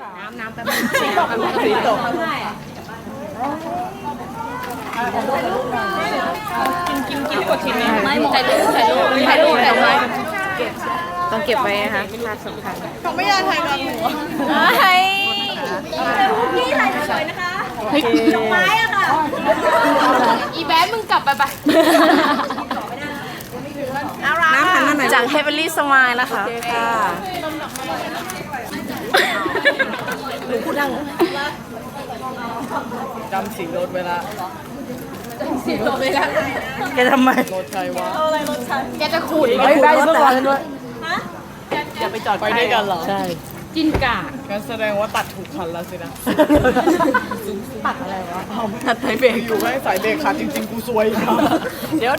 น้ำแป๊บนึงสีตกกินกดชิ้นนี้ไม่ถ่ายรูปต้องเก็บไว้นะคะภาพสำคัญเขาไม่อยากถ่ายกับหนูพี่ถ่ายสวยนะคะดอกไม้อะค่ะอีแบ๊มึงกลับไปน้ำพันนั่นไหนจาก Heavenly Smile นะคะหนูพูดดังจำสีรถเวลาแกทำไมรถใครวะอะไรรถฉันแกจะขูดไปได้เมื่อก่อนด้วยอย่าไปจอดไปด้วยกันเหรอใช่กินกางั้นแสดงว่าตัดถูกคันแล้วสินะตัดอะไรวะตัดสายเบรกอยู่ให้สายเบรกขาดจริงๆกูซวยนะเดี๋ยว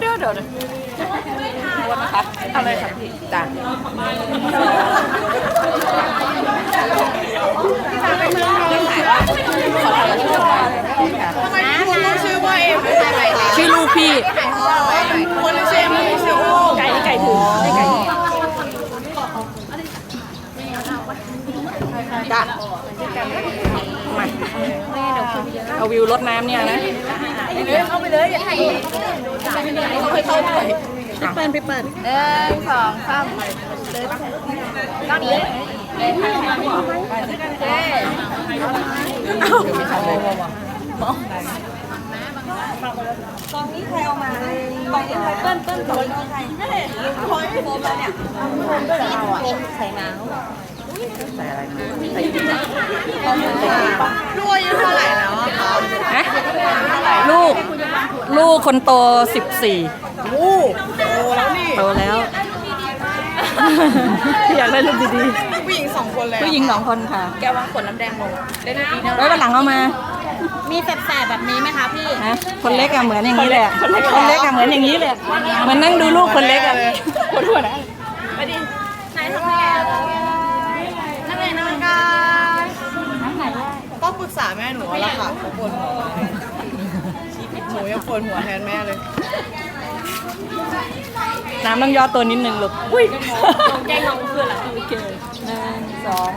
นะคะอะไรครับพี่จ้าชื่อว่าเอ็มชื่อลูกพี่คนชื่อเอ็มชื่อโอ้ไก่ถึงไก่จ้ามาเอาวิวรดน้ำเนี่ยนะเอาไปเลยอย่าถ่ายเขาให้เข้าไปพี่เปิ้ล 1 2 3ก้อนนี้ตอนนี้ใครเอามาตอนนี้ใครเปิ้ลตอนนี้ใครพอยโฟมแล้วเนี่ยโฟมด้วยเหรอเราอ่ะใส่น้ำใส่อะไรใส่ลูกอายุเท่าไหร่แล้วฮะลูกคนโต14 โอ้โตแล้วนี่โตแล้วอยากได้รูปดีๆผู้หญิง2 คนเลยผู้หญิง2 คนค่ะแกวางขวดน้ำแดงลงเล่นดีนะไว้วันหลังเอามามีแสบๆแบบนี้ไหมคะพี่ฮะคนเล็กอะเหมือนอย่างนี้แหละคนเล็กอะเหมือนอย่างนี้แหละเหมือนนั่งดูลูกคนเล็กอะคนหัวนะไปดิไหนทำไงนั่งไหนนอนกันต้องปรึกษาแม่หนูแล้วค่ะเขาปวดหัวหนูยังปวดหัวแทนแม่เลยน้ำต้องย่อตัวนิดนึงลูกอุ้ยแกงน้องเพื่อนละโอเค1 2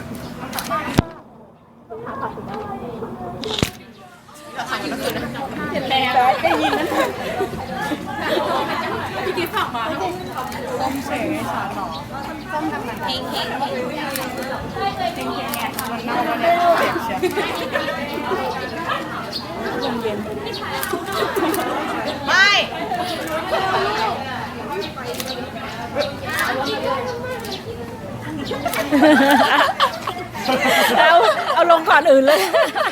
เห็นแล้วได้ยินนั้นพี่กิ๊ฟฝากมาต้มเสกให้ฉันหรอเฮงเนี่ยมันเน่ามาเนี่ยเจ็บเชียวไม่เอาลงก่อนอื่นเลย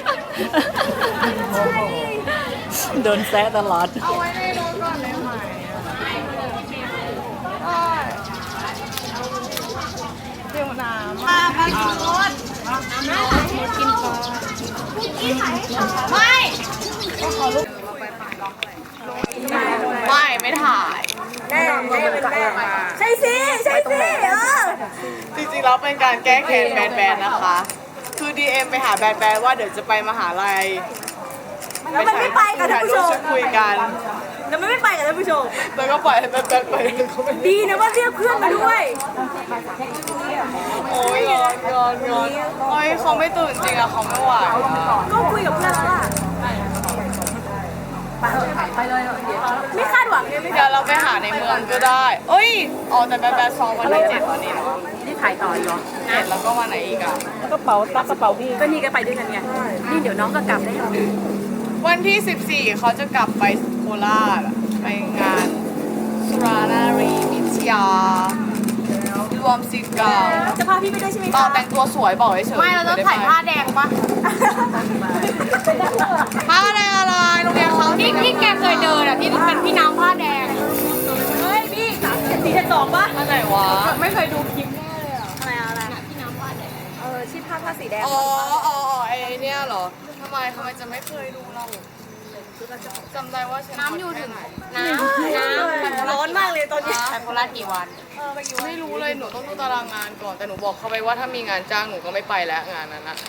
โดนแซะตลอดเอาไว้ในรถก่อนได้ไหมเดี๋ยวน้ำมากินรถกินก่อนไม่ถ่ายใช่สิจริงๆแล้วเป็นการแก้แค้นแบนๆนะคะคือ DM ไปหาแบนๆว่าเดี๋ยวจะไปมหาลัยแล้วมันไม่ไปกับท่านผู้ชมคุยกันแล้วมันไม่ไปกับท่านผู้ชมแล้วก็ปล่อยให้แบนๆไปดีนะว่าเรียกเพื่อนมาด้วยโอ้ยงอนโอ้ยเขาไม่ตื่นจริงอะเขาไม่ไหวก็คุยกับเพื่อนแล้วล่ะไปเลยไม่คาดหวังเลยไม่เดี๋ยวเราไปหาในเมืองก็ได้เอ้ยอ๋อแต่แบนๆซ้อมวันที่7วันนี้เนาะนี่ถ่ายต่ออีกเหรอ 7แล้วก็วันไหนอีกอะกระเป๋าตักกระเป๋าพี่ก็นี่ก็ไปด้วยกันไงนี่เดี๋ยวน้องก็กลับได้วันที่14เขาจะกลับไปโคราชไปงานสุรานารีวิทยารวมศิษย์เก่าจะพาพี่ไปด้วยใช่ไหมต่อแต่งตัวสวยบอกเฉยไม่เราต้องถ่ายผ้าแดงปะผ้าแดงอะไรโรงเรียนเขาที่แกเคยเดินอ่ะที่เป็นพี่น้ำผ้าแดงเฮ้ยพี่3-4-2ปะอันไหนวะไม่เคยดูคลิปแน่เลยอ่ะอะไรพี่น้ำผ้าแดงชื่อผ้าสีแดงอ๋อไอเนี่ยเหรอทำไมจะไม่เคยดูเราจำได้ว่าน้ำอยู่ถึงน้ำร้อนมากเลยตอนนี้ไปโคราชกี่วันไม่รู้เลยหนูต้องดูตารางงานก่อนแต่หนูบอกเขาไปว่าถ้ามีงานจ้างหนูก็ไม่ไปแล้วงานนั้นนะ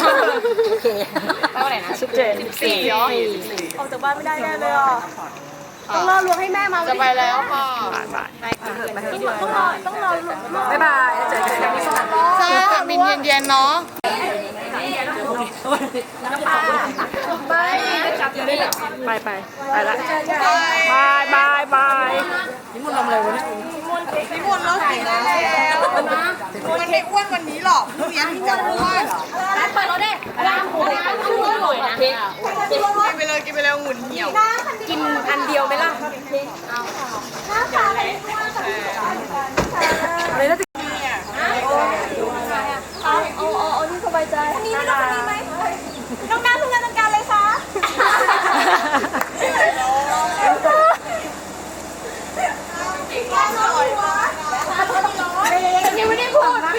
ไปวันไหนนะ 14 ออกจากบ้านไม่ได้แน่เลยอ่ะต้องรอลวงให้แม่มาจะไปแล้วค่ะต้องรอบ๊ายบายเจอกันที่สนามบินใช่ค่ะบินเย็นๆเนาะไปละบายนี่มันทำอะไรวะเนี่ยนิมนต์แล้วกินได้แล้วมันไม่อ้วนวันนี้หรอกพรุ่งนี้ที่จะอ้วนเปิดรถได้ร้านหมูร้านชื่ออร่อยนะกินไปเลยหมุนเหี่ยวกินอันเดียวไหมล่ะโ